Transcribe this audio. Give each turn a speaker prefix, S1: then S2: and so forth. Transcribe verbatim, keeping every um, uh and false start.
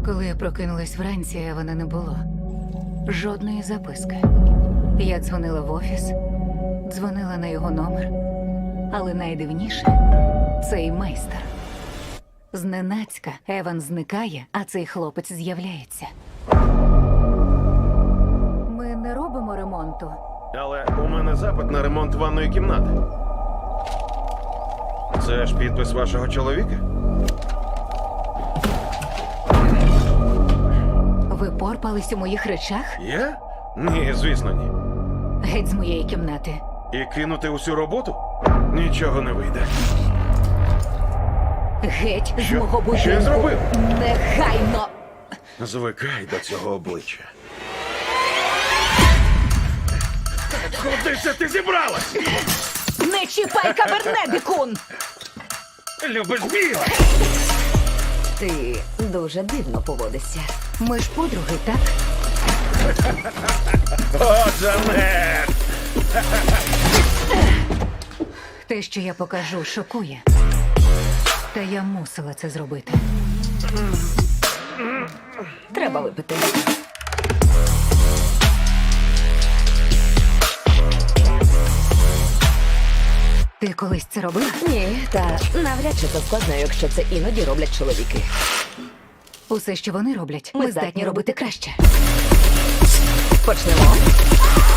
S1: Коли я прокинулась вранці, Евана не було. Жодної записки. Я дзвонила в офіс, дзвонила на його номер. Але найдивніше – цей майстер. Зненацька Еван зникає, а цей хлопець з'являється. Ми не робимо ремонту.
S2: Але у мене запит на ремонт ванної кімнати. Це ж підпис вашого чоловіка?
S1: Ви порпались у моїх речах?
S2: Я? Ні, звісно, ні.
S1: Геть з моєї кімнати.
S2: І кинути усю роботу? Нічого не вийде.
S1: Геть з
S2: Що?
S1: мого будинку.
S2: Що я зробив?
S1: Негайно!
S2: Звикай до цього обличчя. Куди це ти зібралась?
S1: Не чіпай каберне, дикун!
S2: Любиш біле?
S3: Ти дуже дивно поводишся.
S1: Ми ж подруги, так?
S2: О, Джанет!
S1: Те, що я покажу, шокує. Та я мусила це зробити.
S3: Треба випити.
S1: Ти колись це робила?
S3: Ні, та навряд чи це складно, якщо це іноді роблять чоловіки.
S1: Усе, що вони роблять, ми,
S3: Ми
S1: здатні
S3: здатні
S1: робити
S3: робити
S1: краще.
S3: Почнемо.